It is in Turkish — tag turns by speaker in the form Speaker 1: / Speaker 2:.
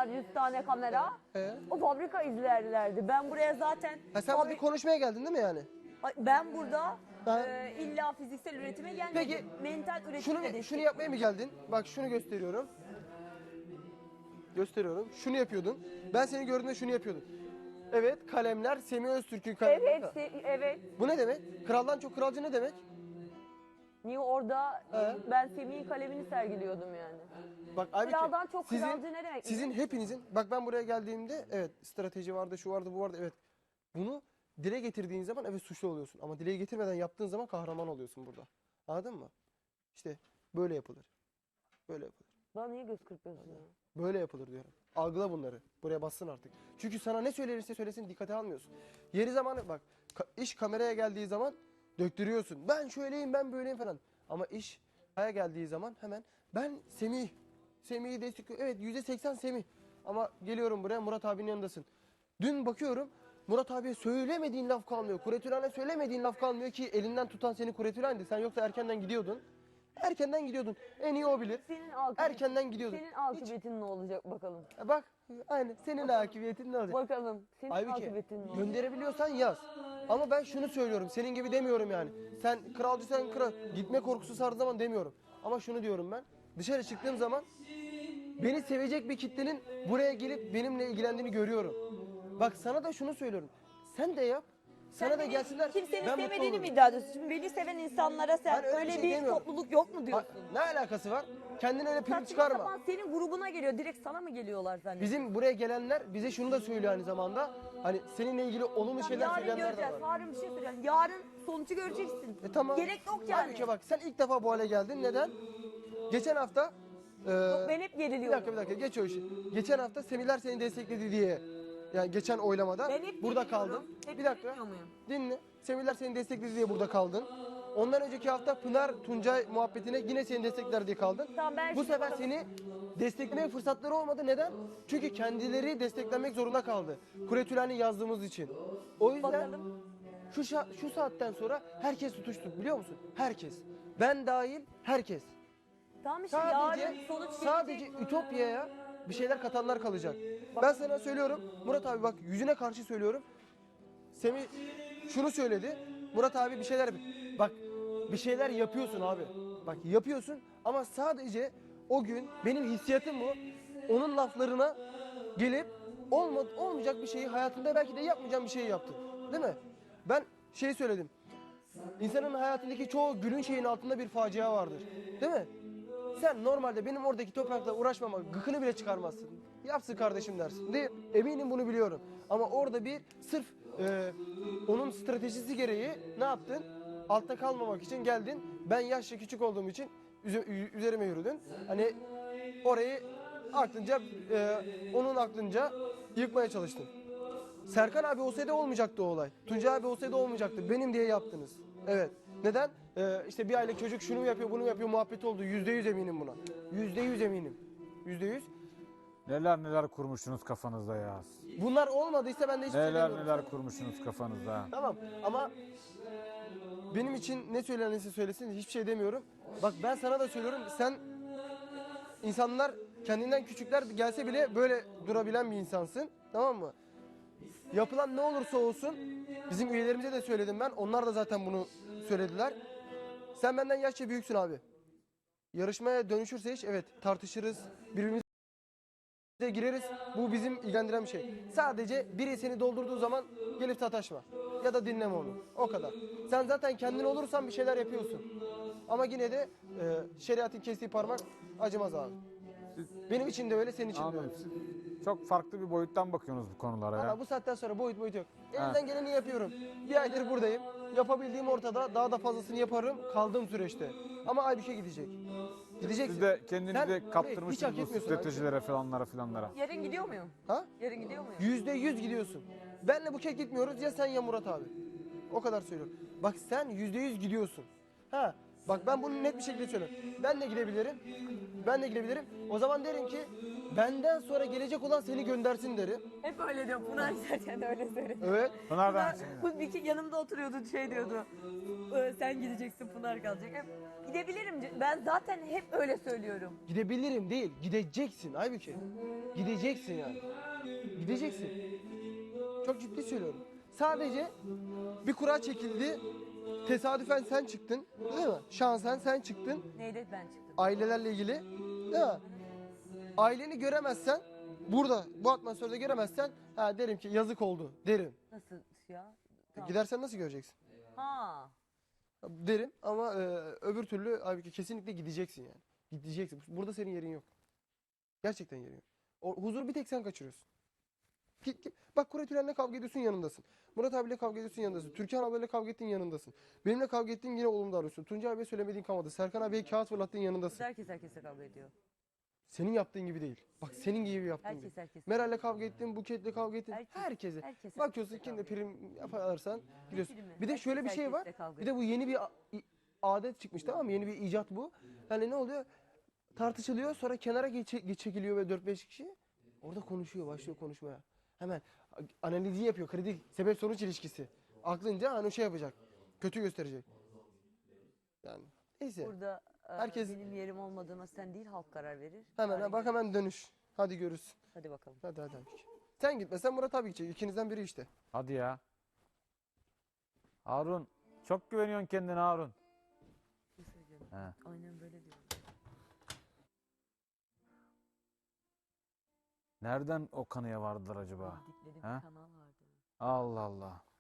Speaker 1: insanlar 100 tane kamera.
Speaker 2: He.
Speaker 1: O fabrika izlerlerdi. Ben buraya zaten...
Speaker 2: Ha, sen buraya konuşmaya geldin değil mi yani?
Speaker 1: Ben burada
Speaker 2: Ha.
Speaker 1: illa fiziksel üretime gelmedim.
Speaker 2: Peki,
Speaker 1: mental üretime de
Speaker 2: Şunu yapmaya mı geldin? Bak şunu gösteriyorum. Gösteriyorum. Şunu yapıyordun. Ben seni gördüğümde şunu yapıyordum. Evet, kalemler Semih Öztürk'ün kalemleri.
Speaker 1: Evet, evet.
Speaker 2: Bu ne demek? Kraldan çok kralcı ne demek?
Speaker 1: Niye orada
Speaker 2: He.
Speaker 1: ben Semih'in kalemini sergiliyordum yani.
Speaker 2: Bak Aybüke,
Speaker 1: Kraldan çok kralcı ne demek?
Speaker 2: Sizin hepinizin, bak ben buraya geldiğimde evet strateji vardı, şu vardı, bu vardı, evet. Bunu dile getirdiğin zaman evet suçlu oluyorsun. Ama dile getirmeden yaptığın zaman kahraman oluyorsun burada. Anladın mı? İşte böyle yapılır. Böyle yapılır.
Speaker 1: Bana niye göz kırpıyorsun ya?
Speaker 2: Böyle yapılır diyorum. Algıla bunları. Buraya bassın artık. Çünkü sana ne söylenirse söylesin dikkate almıyorsun. Yeri zamanı bak iş kameraya geldiği zaman döktürüyorsun. Ben şöyleyim ben böyleyim falan. Ama iş kaya geldiği zaman hemen ben Semih. Semih'i destekliyorum. Evet %80 Semih. Ama geliyorum buraya Murat abinin yanındasın. Dün bakıyorum Murat abiye söylemediğin laf kalmıyor. Kuretülen'e söylemediğin laf kalmıyor ki elinden tutan seni Kuretülen'di. Sen yoksa erkenden gidiyordun. Erkenden gidiyordun. En iyi o bilir. Erkenden gidiyordun.
Speaker 1: Senin akıbetin ne olacak bakalım.
Speaker 2: Bak aynen senin akıbiyetin ne olacak?
Speaker 1: Bakalım. Senin
Speaker 2: Aybüke
Speaker 1: akıbetin ne olacak?
Speaker 2: gönderebiliyorsan yaz. Ama ben şunu söylüyorum. Senin gibi demiyorum yani. Sen kralcıysan kral. Gitme korkusu sardığı zaman demiyorum. Ama şunu diyorum ben. Dışarı çıktığım zaman beni sevecek bir kitlenin buraya gelip benimle ilgilendiğini görüyorum. Bak sana da şunu söylüyorum. Sen de yap. Sana da gelsinler.
Speaker 1: Kimsenin
Speaker 2: ben mutlu
Speaker 1: sevmediğini mi
Speaker 2: olurum.
Speaker 1: iddia ediyorsun? Şimdi beni seven insanlara sen
Speaker 2: Ben öyle
Speaker 1: öyle
Speaker 2: bir şey
Speaker 1: bir
Speaker 2: demiyorum.
Speaker 1: topluluk yok mu diyorsun?
Speaker 2: Ne alakası var? Kendine öyle prim
Speaker 1: Saçma
Speaker 2: çıkarma.
Speaker 1: sapan senin grubuna geliyor. Direkt sana mı geliyorlar zannediyorsun?
Speaker 2: Bizim buraya gelenler bize şunu da söylüyor aynı zamanda. Hani seninle ilgili olumlu şeyler
Speaker 1: Yarın
Speaker 2: söyleyenler de
Speaker 1: göreceğiz.
Speaker 2: var.
Speaker 1: Yarın bir şey söyleyeceğim. Yarın sonucu göreceksin.
Speaker 2: Tamam.
Speaker 1: Gerek yok yani.
Speaker 2: Halbuki bak sen ilk defa bu hale geldin. Neden? Geçen hafta...
Speaker 1: Ben hep
Speaker 2: bir
Speaker 1: geriliyorum.
Speaker 2: dakika geç o işi. Geçen hafta Semihler seni destekledi diye. Yani geçen oylamada
Speaker 1: Ben hep
Speaker 2: burada
Speaker 1: geriliyorum.
Speaker 2: kaldın.
Speaker 1: Hep
Speaker 2: Bir dakika
Speaker 1: gerilmiyor muyum?
Speaker 2: dinle. Semihler seni destekledi diye burada kaldın. Ondan önceki hafta Pınar Tuncay muhabbetine yine seni destekler diye kaldın.
Speaker 1: Tamam, ben
Speaker 2: Bu
Speaker 1: şimdi
Speaker 2: sefer
Speaker 1: bakalım.
Speaker 2: seni desteklemeye fırsatları olmadı. Neden? Çünkü kendileri desteklenmek zorunda kaldı. Kuretülen'i yazdığımız için. O yüzden
Speaker 1: Bakalım.
Speaker 2: şu saatten sonra herkes tutuştu biliyor musun? Herkes. Ben dahil herkes.
Speaker 1: Tamam işte
Speaker 2: Sadece
Speaker 1: yarın sonuç
Speaker 2: sadece
Speaker 1: gelecek.
Speaker 2: Ütopya'ya bir şeyler katanlar kalacak. Ben sana söylüyorum Murat abi bak yüzüne karşı söylüyorum. Semih şunu söyledi. Murat abi bir şeyler bak bir şeyler yapıyorsun abi. Bak yapıyorsun ama sadece o gün benim hissiyatım bu. Onun laflarına gelip olmayacak bir şeyi hayatında belki de yapmayacağım bir şeyi yaptın. Değil mi? Ben şey söyledim. İnsanın hayatındaki çoğu gülün şeyin altında bir facia vardır. Değil mi? Sen normalde benim oradaki toprakla uğraşmama gıkını bile çıkarmazsın. Yapsın kardeşim dersin. Değil. Eminim bunu biliyorum. Ama orada bir sırf onun stratejisi gereği ne yaptın? Altta kalmamak için geldin. Ben yaşça küçük olduğum için üzerime yürüdün. Hani orayı aklınca onun aklınca yıkmaya çalıştın. Serkan abi olsaydı olmayacaktı o olay. Tuncay abi olsaydı olmayacaktı. Benim diye yaptınız. Evet. Neden? İşte bir aylık çocuk şunu yapıyor, bunu yapıyor muhabbeti oldu. %100 eminim buna. %100 eminim. %100.
Speaker 3: Neler kurmuşsunuz kafanızda ya.
Speaker 2: Bunlar olmadıysa ben de hiçbir şey demiyorum.
Speaker 3: Neler kurmuşsunuz kafanızda.
Speaker 2: Tamam ama benim için ne söylenirse söylesin hiçbir şey demiyorum. Bak ben sana da söylüyorum. Sen insanlar kendinden küçükler gelse bile böyle durabilen bir insansın. Tamam mı? Yapılan ne olursa olsun bizim üyelerimize de söyledim ben. Onlar da zaten bunu söylediler. Sen benden yaşça büyüksün abi. Yarışmaya dönüşürse hiç evet tartışırız. Birbirimize gireriz. Bu bizim ilgilendiren bir şey. Sadece biri seni doldurduğu zaman gelip sataşma. Ya da dinleme onu. O kadar. Sen zaten kendin olursan bir şeyler yapıyorsun. Ama yine de şeriatın kestiği parmak acımaz abi. Benim için de öyle, senin için de öyle.
Speaker 3: Anladım. Çok farklı bir boyuttan bakıyorsunuz bu konulara ya.
Speaker 2: Ama bu saatten sonra boyut yok. Elimden geleni yapıyorum. Bir aydır buradayım. Yapabildiğim ortada. Daha da fazlasını yaparım kaldığım süreçte. Ama Aybüşe gidecek. Gideceksin.
Speaker 3: Siz de kendinizi
Speaker 2: Sen
Speaker 3: de
Speaker 2: hiç hak
Speaker 3: kaptırmışsınız bu
Speaker 2: etmiyorsun
Speaker 3: stratejilere falanlara.
Speaker 1: Yarın gidiyor muyum?
Speaker 2: Ha?
Speaker 1: Yarın gidiyor muyum?
Speaker 2: %100 gidiyorsun. Benle Buket gitmiyoruz ya sen ya Murat abi. O kadar söylüyorum. Bak sen %100 gidiyorsun. Ha. Bak ben bunu net bir şekilde söylüyorum. Ben de gidebilirim. Ben de gidebilirim. O zaman derim ki benden sonra gelecek olan seni göndersin derim.
Speaker 1: Hep öyle diyor. Pınar giderken de öyle söyledi.
Speaker 2: Evet.
Speaker 3: Pınar'dan
Speaker 1: Bu bir yanımda oturuyordu şey diyordu. Sen gideceksin Pınar kalacak. Hep gidebilirim. Ben zaten hep öyle söylüyorum.
Speaker 2: Gidebilirim değil, gideceksin Aybüke. Gideceksin yani. Gideceksin. Çok ciddi söylüyorum. Sadece bir kura çekildi. Tesadüfen sen çıktın, değil mi? Şansen sen çıktın.
Speaker 1: Neydi ben çıktım.
Speaker 2: Ailelerle ilgili, değil mi? Aileni göremezsen, burada bu atmosferde göremezsen, ha derim ki yazık oldu derim.
Speaker 1: Nasıl ya? Tamam.
Speaker 2: Gidersen nasıl göreceksin?
Speaker 1: Ha.
Speaker 2: Derim ama öbür türlü abi kesinlikle gideceksin yani. Gideceksin. Burada senin yerin yok. Gerçekten yerin yok. O huzur bir tek sen kaçırıyorsun. Git. Bak Kuret Ülen'le kavga ediyorsun yanındasın. Murat abiyle kavga ediyorsun yanındasın. Türkan ablayla kavga ettiğin yanındasın. Benimle kavga ettiğin yine olumlu davranıyorsun. Tuncay abiye söylemediğin kalmadı. Serkan abiye kağıt fırlattığın yanındasın.
Speaker 1: Herkes herkesle kavga ediyor.
Speaker 2: Senin yaptığın gibi değil. Bak senin gibi yaptığın gibi.
Speaker 1: Herkes.
Speaker 2: Meral'le kavga ettin, Buket'le kavga ettin. Herkese.
Speaker 1: Herkes
Speaker 2: Bakıyorsun
Speaker 1: herkesle
Speaker 2: kimde
Speaker 1: kavga ediyor.
Speaker 2: prim yaparsan gidiyorsun.
Speaker 1: primi?
Speaker 2: Bir de şöyle bir
Speaker 1: Herkes
Speaker 2: şey var.
Speaker 1: herkesle kavga
Speaker 2: Bir de bu yeni bir adet çıkmış, tamam mı? Yeni bir icat bu. Hani ne oluyor? Tartışılıyor, sonra kenara çekiliyor ve 4-5 kişi. Orada konuşuyor, başlıyor konuşmaya. Hemen analizi yapıyor. Kredi sebep sonuç ilişkisi. Aklınca hani şey yapacak. Kötü gösterecek. Yani neyse.
Speaker 1: Burada
Speaker 2: Herkes-
Speaker 1: benim yerim olmadığıma sen değil halk karar verir.
Speaker 2: Hemen
Speaker 1: Tarih
Speaker 2: bak
Speaker 1: verir.
Speaker 2: hemen dönüş. Hadi görürsün.
Speaker 1: Hadi bakalım.
Speaker 2: Hadi. Sen gitmesen Murat abi gidecek. İkinizden biri işte.
Speaker 3: Hadi ya. Harun. Çok güveniyorsun kendine Harun.
Speaker 1: Ne söyleyeceğim?
Speaker 3: He.
Speaker 1: Aynen böyle diyor.
Speaker 3: Nereden o kanıya vardılar acaba?
Speaker 1: Bildikleri bir
Speaker 3: He?
Speaker 1: kanal vardı.
Speaker 3: Allah Allah.